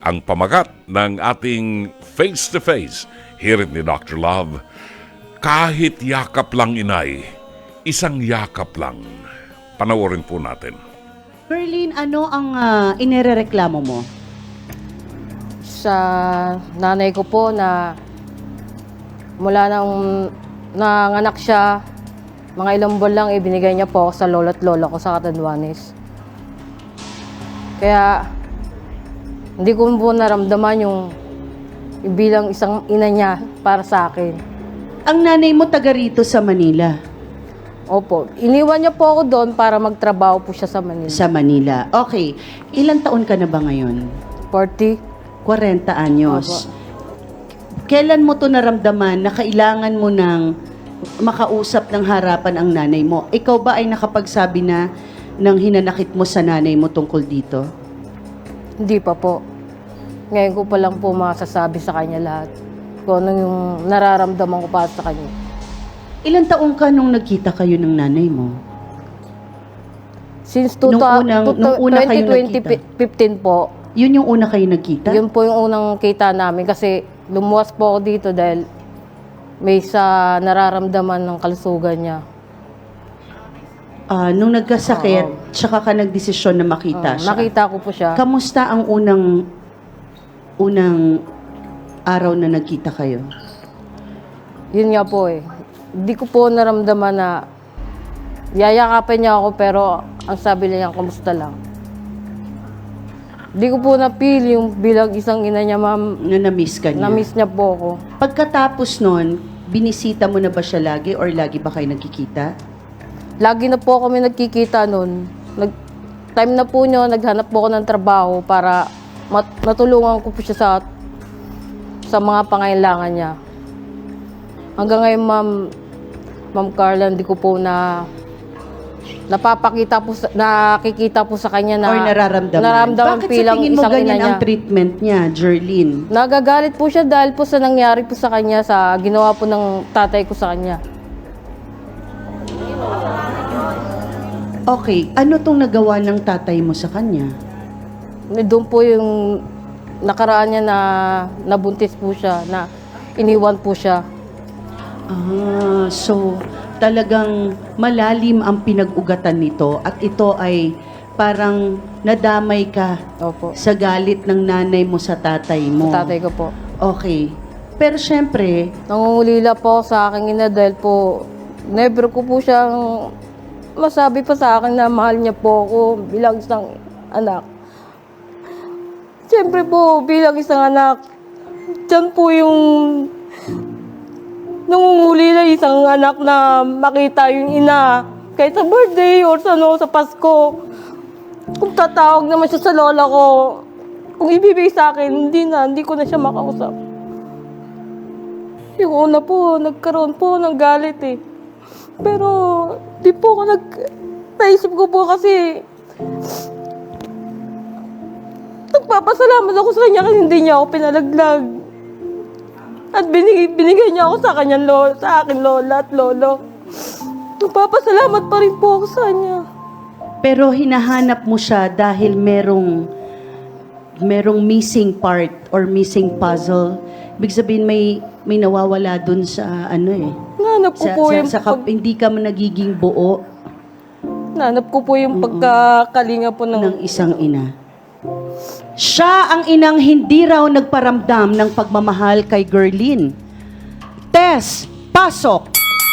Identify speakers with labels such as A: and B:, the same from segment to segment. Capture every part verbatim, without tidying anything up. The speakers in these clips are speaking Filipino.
A: Ang pamagat ng ating face-to-face hirit ni Doctor Love, kahit yakap lang inay, isang yakap lang. Panoorin po natin.
B: Berlin, ano ang uh, inirereklamo mo?
C: Sa nanay ko po na mula nang nanganak siya, mga ilang buwan lang ibinigay niya po ako sa lolo at lola ko sa Catanduanes. Kaya hindi ko po naramdaman yung, yung bilang isang ina niya para sa akin.
B: Ang nanay mo taga rito sa Manila.
C: Opo, iniwan niya po ako doon para magtrabaho po siya sa Manila.
B: Sa Manila. Okay. Ilang taon ka na ba ngayon?
C: forty.
B: forty anyos. Kailan mo to naramdaman na kailangan mo ng makausap ng harapan ang nanay mo? Ikaw ba ay nakapagsabi na ng hinanakit mo sa nanay mo tungkol dito?
C: Hindi pa po. Ngayon ko pa lang po masasabi sa kanya lahat. Kung ano yung nararamdaman ko para sa kanya.
B: Ilang taon ka nung nagkita kayo ng nanay mo?
C: Since two,
B: Nung unang- nung una kayo
C: twenty fifteen po,
B: Yun yung una kayo nagkita?
C: yun po yung unang kita namin kasi lumuwas po ako dito dahil may sa nararamdaman ng kalusugan niya.
B: Ah, nung nagkasakit,
C: Oo.
B: tsaka ka nagdesisyon na makita
C: Ah,
B: siya.
C: nakita ko po siya.
B: Kamusta ang unang unang araw na nagkita kayo?
C: Yun nga po eh. Hindi ko po naramdaman na yayakapin niya ako pero ang sabi niya, kamusta lang. Hindi ko po na-feel yung bilang isang ina niya, ma'am.
B: Na na-miss ka niya?
C: Na-miss niya po ako.
B: Pagkatapos nun, binisita mo na ba siya lagi or lagi ba kayo nagkikita?
C: Lagi na po kami nagkikita noon. Nag, time na po nyo, naghanap po ako ng trabaho para mat, matulungan ko po siya sa, sa mga pangailangan niya. Hanggang ngayon, ma'am, ma'am Carla, hindi ko po na napapakita po, sa, nakikita po sa kanya na
B: or nararamdaman?
C: nararamdaman
B: Bakit sa
C: bilang
B: tingin mo
C: isang ina
B: ganyan
C: niya.
B: ang treatment niya, Jerlyn?
C: Nagagalit po siya dahil po sa nangyari po sa kanya, sa ginawa po ng tatay ko sa kanya.
B: Okay, ano tong nagawa ng tatay mo sa kanya?
C: Doon po yung nakaraan niya na nabuntis po siya, na iniwan po siya.
B: Ah, so talagang malalim ang pinag-ugatan nito at ito ay parang nadamay ka
C: Opo.
B: sa galit ng nanay mo sa tatay mo.
C: Tatay ko po.
B: Okay. Pero syempre,
C: Nangungulila po sa aking ina dahil po never ko po siyang masabi pa sa akin na mahal niya po ako bilang isang anak. Siyempre po, bilang isang anak, dyan po yung nangungulila isang anak na makita yung ina. Kahit sa birthday or sa, ano, sa Pasko. Kung tatawag naman siya sa lola ko, kung ibibigay sa akin, hindi na, hindi ko na siya makausap. Yung una po, nagkaroon po ng galit eh. Pero, di po ako nag... Naisip ko po kasi... Nagpapasalamat ako sa kanya kasi hindi niya ako pinalaglag. At binig, binigay niya ako sa kanyang lola, sa akin lola at lolo. Nagpapasalamat pa rin po ako sa kanya.
B: pero hinahanap mo siya dahil merong merong missing part or missing puzzle. Ibig sabihin may may nawawala dun sa ano eh.
C: Nanap ko
B: Sa,
C: po
B: sa,
C: yung,
B: sa kap-
C: pag,
B: hindi ka man nagiging buo
C: nanap ko po yung pagkakalinga po ng...
B: ng isang ina. Siya ang inang hindi raw nagparamdam ng pagmamahal kay Gerlin. Tess, pasok!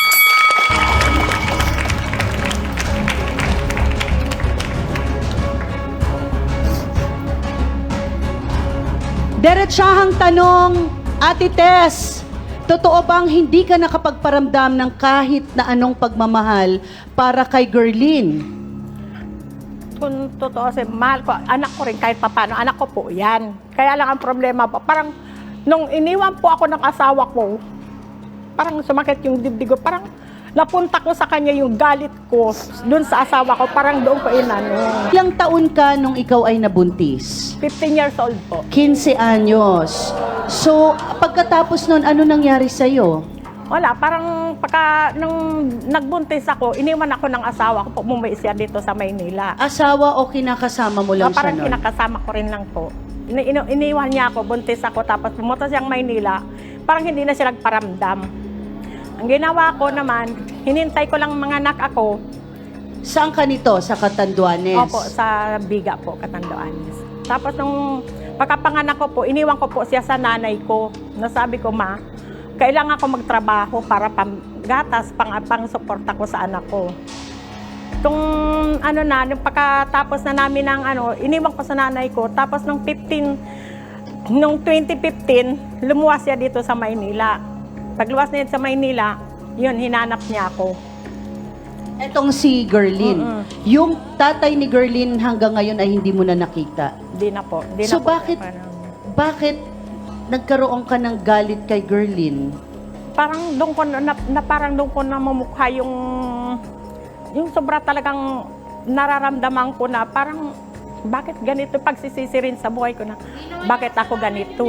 B: Diretsahang tanong, Ate Tess, totoo bang hindi ka nakapagparamdam ng kahit na anong pagmamahal para kay Gerlin?
D: Kung totoo kasi mahal ko, anak ko rin kahit papano, anak ko po yan. Kaya lang ang problema po, parang nung iniwan po ako ng asawa ko, parang sumakit yung dibdib ko, parang napunta ko sa kanya yung galit ko dun sa asawa ko, parang doon ko inano.
B: Ilang taon ka nung ikaw ay nabuntis?
D: fifteen years old po.
B: quince anyos. So, pagkatapos nun, ano nangyari sa'yo?
D: Wala, parang pagka nung nagbuntis ako, iniwan ako ng asawa ko, umuwi siya dito sa Maynila.
B: Asawa o kinakasama mo lang
D: Ah, parang
B: siya nun?
D: kinakasama ko rin lang po. ini ini- iniwan niya ako, buntis ako, tapos pumunta siyang Maynila, parang hindi na siya nagparamdam. Ang ginawa ko naman, hinintay ko lang mga anak ako.
B: Saan ka nito? Sa Catanduanes?
D: Opo, sa Biga po, Catanduanes. Tapos nung pagkapanganak ko po, iniwan ko po siya sa nanay ko. Nasabi ko, ma, kailangan ko magtrabaho para panggatas, pang, pang suporta ko sa anak ko. Tung ano na, nung pagkatapos na namin ng ano, iniwan ko sa nanay ko. Tapos nung fifteen, nung twenty fifteen, lumuwas siya dito sa Maynila. Pagluwas niya sa Maynila, yun, hinanap niya ako.
B: Etong si Gerlin.
D: Mm-mm.
B: Yung tatay ni Gerlin hanggang ngayon ay hindi mo na nakita.
D: Di na po. Di
B: So
D: na po,
B: bakit,
D: parang-
B: bakit nagkaroon ka ng galit kay Gerlin?
D: parang doon ko na, na parang doon ko na mamukha yung yung sobra talagang nararamdaman ko na parang bakit ganito pagsisisi rin sa buhay ko na bakit ako ganito.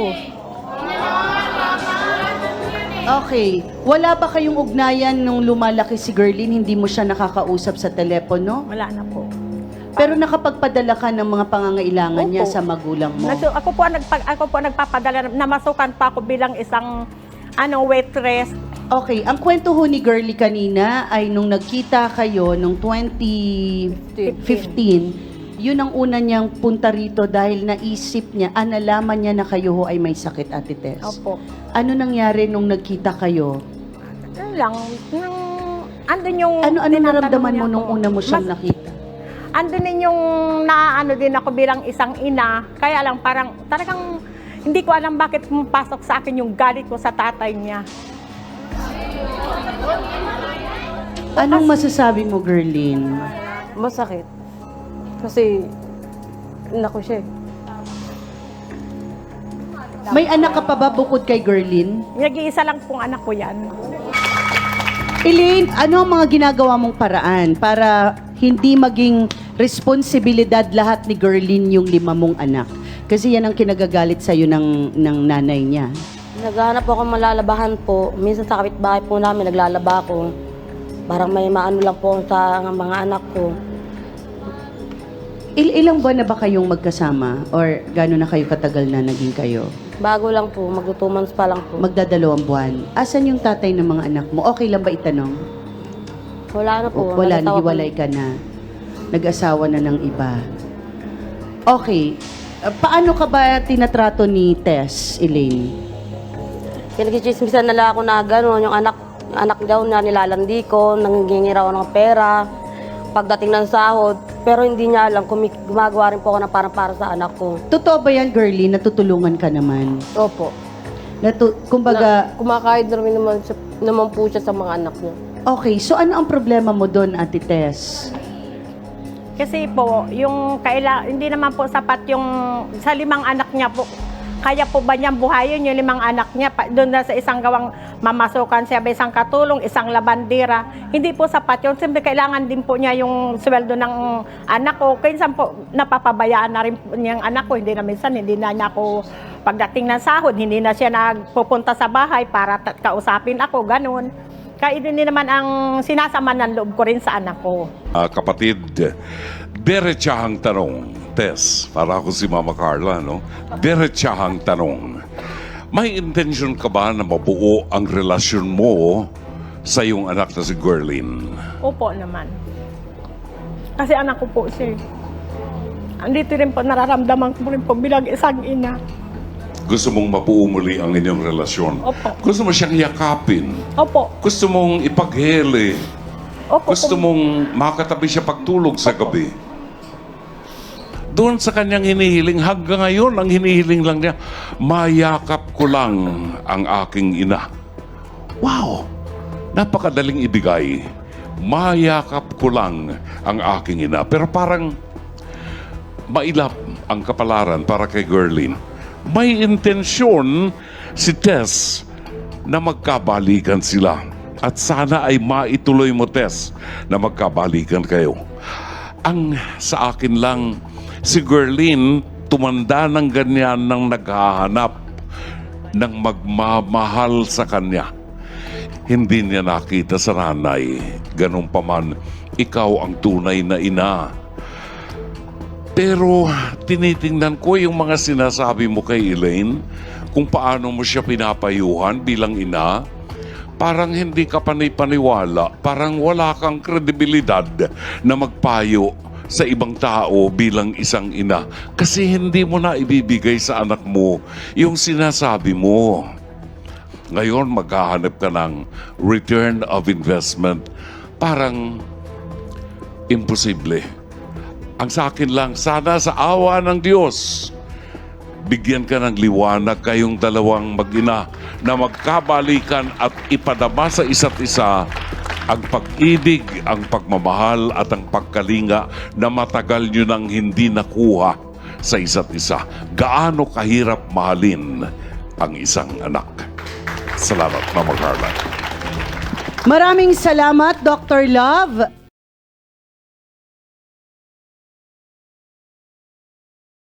B: Okay. Wala ba kayong ugnayan nung lumalaki si Gerlin, hindi mo siya nakakausap sa telepono?
D: Wala na po.
B: Pero nakapagpadala ka ng mga pangangailangan niya
D: Opo.
B: sa magulang mo?
D: Nag- ako po ang nagpag ako po ang nagpapadala, namasukan pa ako bilang isang ano waitress.
B: Okay, ang kwento ho ni Girlie kanina ay nung nagkita kayo nung twenty fifteen, yun ang una niyang punta rito dahil naisip niya, ah, nalaman niya na kayo ho ay may sakit, Ate Tess.
D: Opo.
B: Ano nangyari nung nagkita kayo?
D: Ano lang, nung andun yung
B: Ano ano
D: tinatanong
B: naramdaman
D: niya
B: mo nung
D: ako.
B: una mo siyang
D: Mas-
B: nakita?
D: Andun din yung naano din ako bilang isang ina. Kaya lang parang talagang hindi ko alam bakit pumapasok sa akin yung galit ko sa tatay niya.
B: Anong masasabi mo, Gerlin?
C: Masakit. Kasi, naku siya eh.
B: May anak ka pa ba bukod kay Gerlin?
D: Nag-iisa lang pong anak ko yan.
B: Elaine, ano ang mga ginagawa mong paraan para hindi maging responsibilidad lahat ni Gerlin yung lima mong anak? Kasi yan ang kinagagalit sa'yo ng, ng nanay niya.
E: Naghahanap ako ng malalabahan po. Minsan sa kapitbahay po namin, naglalaba ako. Parang may maano lang po sa mga anak ko.
B: Il ilang buwan na ba kayong magkasama? Or gano'n na kayo katagal na naging kayo?
E: Bago lang po, magto-two months pa lang po.
B: Magdadalawang buwan. Asan yung tatay ng mga anak mo? Okay lang ba itanong?
E: Wala na po.
B: O, wala,
E: Nag-asawa po.
B: nahiwalay ka na. Nag-asawa na ng iba. Okay. Uh, paano ka ba tinatrato ni Tess, Elaine?
E: Pinag-chismisan na lang ako na gano'n. Yung anak, anak daw na nilalandi ko, nangingi raw ng pera. Pagdating ng sahod, pero hindi niya alam kung may- gumagawa rin po ako na parang para sa anak ko.
B: Totoo ba yan, girlie? Natutulungan ka naman?
C: Opo.
B: Natu kumbaga,
C: Na, kumakain na rin naman, siya, naman po siya sa mga anak niya.
B: okay. So ano ang problema mo doon, Ate Tess?
D: Kasi po, yung kaila, hindi naman po sapat yung sa limang anak niya po. Kaya po ba niyang buhayin yung limang anak niya? Pa, doon na sa isang gawang mamasukan siya, may isang katulong, isang labandera. Hindi po sapat yun. Siyempre, kailangan din po niya yung sweldo ng anak ko. Kaya po, napapabayaan na rin po niyang anak ko. Hindi na minsan, hindi na niya ako pagdating ng sahod, hindi na siya nagpupunta sa bahay para ta- kausapin ako, ganun. Kaya din naman ang sinasama ng loob ko rin sa anak ko.
A: Ah, kapatid, diretsahang tanong, Tess, para ako si Mama Carla, no? Diretsahang tanong. May intention ka ba na mabuo ang relasyon mo sa iyong anak na si Gerlin?
D: Opo naman. Kasi anak ko po siya. Andito rin po, nararamdaman ko rin po bilang isang ina.
A: Gusto mong mabuo muli ang inyong relasyon?
D: Opo.
A: Gusto mo siyang yakapin?
D: Opo.
A: Gusto mong ipaghele?
D: Opo.
A: Gusto
D: po.
A: mong makatabi siya pagtulog sa gabi? Doon sa kanyang hinihiling, hanggang ngayon, ang hinihiling lang niya, mayakap ko lang ang aking ina. Wow! Napakadaling ibigay. Mayakap ko lang ang aking ina. Pero parang mailap ang kapalaran para kay Gerlin. May intensyon si Tess na magkabalikan sila. At sana ay maituloy mo, Tess, na magkabalikan kayo. Ang sa akin lang, si Gerlin tumanda ng ganyan nang naghahanap ng magmamahal sa kanya. Hindi niya nakita sa nanay. Ganun pa man, ikaw ang tunay na ina. Pero tinitingnan ko yung mga sinasabi mo kay Elaine, kung paano mo siya pinapayuhan bilang ina, parang hindi ka panay-paniwala, parang wala kang kredibilidad na magpayo sa ibang tao bilang isang ina. Kasi hindi mo na ibibigay sa anak mo yung sinasabi mo. Ngayon, maghahanap ka ng return of investment. Parang imposible. Ang sa akin lang, sana sa awa ng Diyos, bigyan ka ng liwanag kayong dalawang mag-ina na magkabalikan at ipadama sa isa't isa ang pag-ibig, ang pagmamahal at ang pagkalinga na matagal nyo nang hindi nakuha sa isa't isa. Gaano kahirap mahalin ang isang anak. Salamat, Mama Carla.
B: Maraming salamat, Doctor Love.